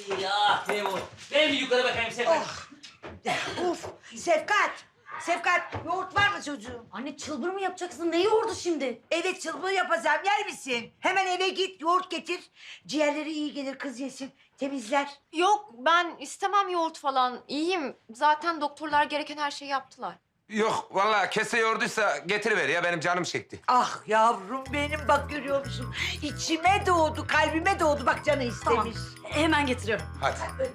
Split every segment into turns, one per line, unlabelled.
Ya Tevfik, ben bir yukarı bakayım Sevkat.
Uf, Sevkat. Sevkat, yoğurt var mı çocuğum?
Anne çılbır mı yapacaksın? Ne yoğurdu şimdi?
Evet, çılbır yapacağım. Yer misin? Hemen eve git, yoğurt getir. Ciğerleri iyi gelir, kız yesin. Temizler.
Yok ben istemem yoğurt falan. İyiyim. Zaten doktorlar gereken her şeyi yaptılar.
Yok vallahi kese yoğurduysa getiriver ya benim canım çekti.
Ah yavrum benim, bak görüyor musun? İçime doğdu, kalbime doğdu. Bak canı istemiş.
Hemen getiriyorum.
Hadi.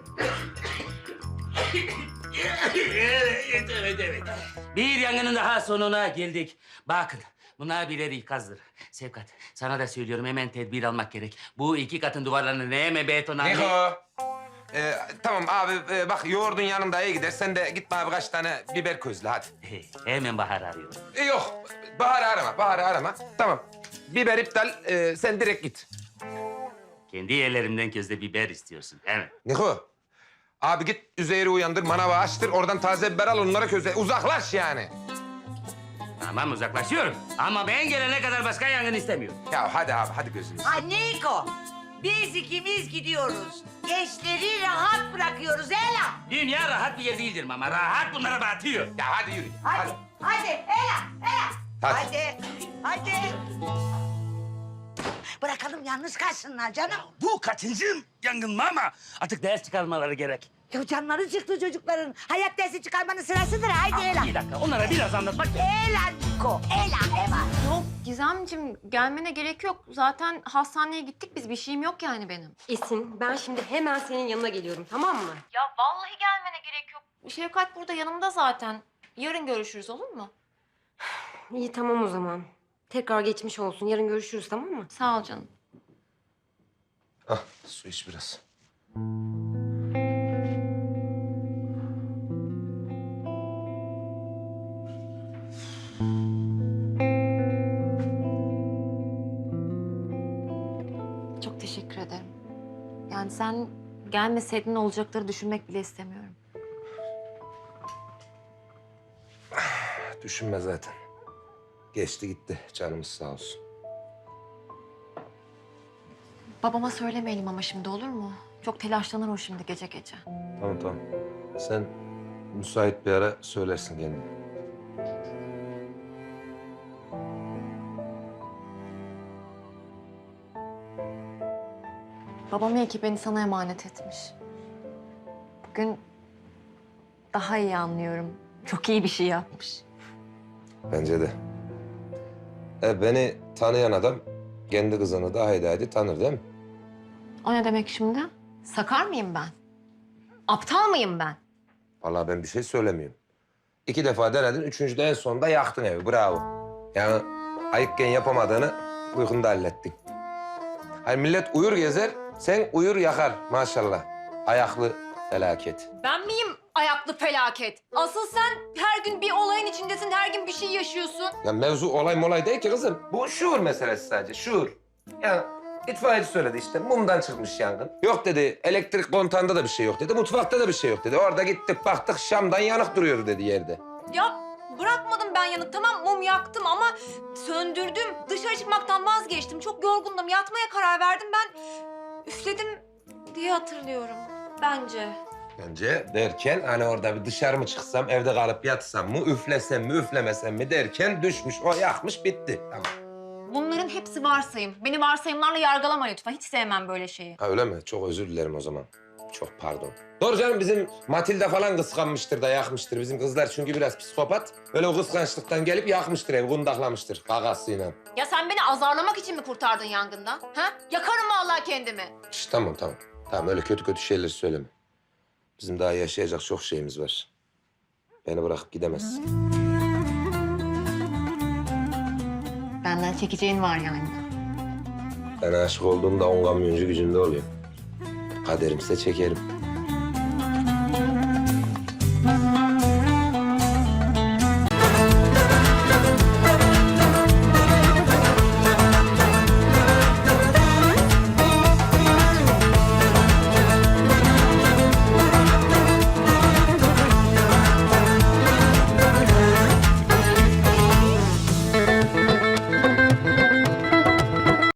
Evet. Bir yangının daha sonuna geldik. Bakın, bunlar birer ikazdır. Sevkat, sana da söylüyorum hemen tedbir almak gerek. Bu iki katın duvarlarını hemen betona...
Niko. Tamam abi bak yoğurdun yanında iyi gider. Sen de git bana birkaç tane biber közle hadi.
Hemen Bahar arıyorum.
Yok Bahar'ı arama. Tamam. Biber iptal. Sen direkt git.
Kendi yerlerimden közde biber istiyorsun, değil mi?
Niko. Abi git Üzeyir'i uyandır, manavı açtır. Oradan taze biber al onlara közle. Uzaklaş yani.
Tamam, uzaklaşıyorum. Ama ben gelene kadar başka yangın istemiyorum.
Ya hadi abi hadi gözünü.
Ha Niko, biz ikimiz gidiyoruz. Gençleri rahat bırakıyoruz Ela.
Dünya rahat bir yer değildir ama rahat bunlara batıyor.
Ya hadi yürü.
Hadi Ela.
Hadi.
Hadi. Bırakalım yalnız kalsınlar canım.
Bu kaçıncı yangın mı ama artık ders çıkarmaları gerek.
Ya canları çıktı çocukların. Hayat dersi çıkarmanın sırasıdır. Haydi Ela.
Bir dakika, onlara biraz anlatmak gerek.
Ela Niko, Ela.
Yok Gizemciğim gelmene gerek yok. Zaten hastaneye gittik biz. Bir şeyim yok yani benim.
Esin, ben şimdi hemen senin yanına geliyorum, tamam mı?
Ya vallahi gelmene gerek yok. Şevkat burada yanımda zaten. Yarın görüşürüz olur mu?
İyi, tamam o zaman. Tekrar geçmiş olsun. Yarın görüşürüz, tamam mı?
Sağ ol canım.
Ah su iç biraz.
Çok teşekkür ederim. Yani sen gelmeseydin olacakları düşünmek bile istemiyorum.
Düşünme zaten. Geçti gitti. Canımız sağ olsun.
Babama söylemeyelim ama şimdi olur mu? Çok telaşlanır o şimdi gece gece.
Tamam. Sen müsait bir ara söylersin kendine.
Babam iyi ki beni sana emanet etmiş. Bugün daha iyi anlıyorum. Çok iyi bir şey yapmış.
Bence de. Beni tanıyan adam kendi kızını da haydi tanır değil mi?
O ne demek şimdi? Sakar mıyım ben? Aptal mıyım ben?
Vallahi ben bir şey söylemiyorum. 2 defa denedin, 3.'de en sonunda yaktın evi. Bravo. Yani ayıkken yapamadığını uykunda hallettin. Hani millet uyur gezer, sen uyur yakar maşallah. Ayaklı felaket.
Ben miyim ayaklı felaket? Asıl sen her gün bir olayın içindesin, her gün bir şey yaşıyorsun.
Ya mevzu olay molay değil ki kızım. Bu şuur meselesi sadece, şuur. Ya itfaiyeci söyledi işte, mumdan çıkmış yangın. Yok dedi, elektrik kontağında da bir şey yok dedi, mutfakta da bir şey yok dedi. Orada gittik baktık, Şam'dan yanık duruyordu dedi yerde.
Ya bırakmadım ben yanık. Tamam mum yaktım ama söndürdüm. Dışarı çıkmaktan vazgeçtim. Çok yorgundum. Yatmaya karar verdim. Ben üfledim diye hatırlıyorum. Bence.
Bence derken hani orada bir dışarı mı çıksam, evde kalıp yatsam mı, üflesem mi, üflemesem mi derken düşmüş, o yakmış, bitti. Tamam.
Bunların hepsi varsayım. Beni varsayımlarla yargılama lütfen. Hiç sevmem böyle şeyi.
Ha öyle mi? Çok özür dilerim o zaman. Çok pardon. Doğru canım, bizim Matilda falan kıskanmıştır da yakmıştır. Bizim kızlar çünkü biraz psikopat. Öyle o kıskançlıktan gelip yakmıştır evi, kundaklamıştır gagasıyla.
Ya sen beni azarlamak için mi kurtardın yangından? Ha? Yakarım vallahi kendimi.
Şişt, tamam. Tamam öyle kötü şeyler söyleme. Bizim daha yaşayacak çok şeyimiz var. Beni bırakıp gidemezsin.
Benden çekeceğin var yani.
Ben aşık olduğumda 10 kamyoncu gücünde oluyor. Kaderimse çekerim.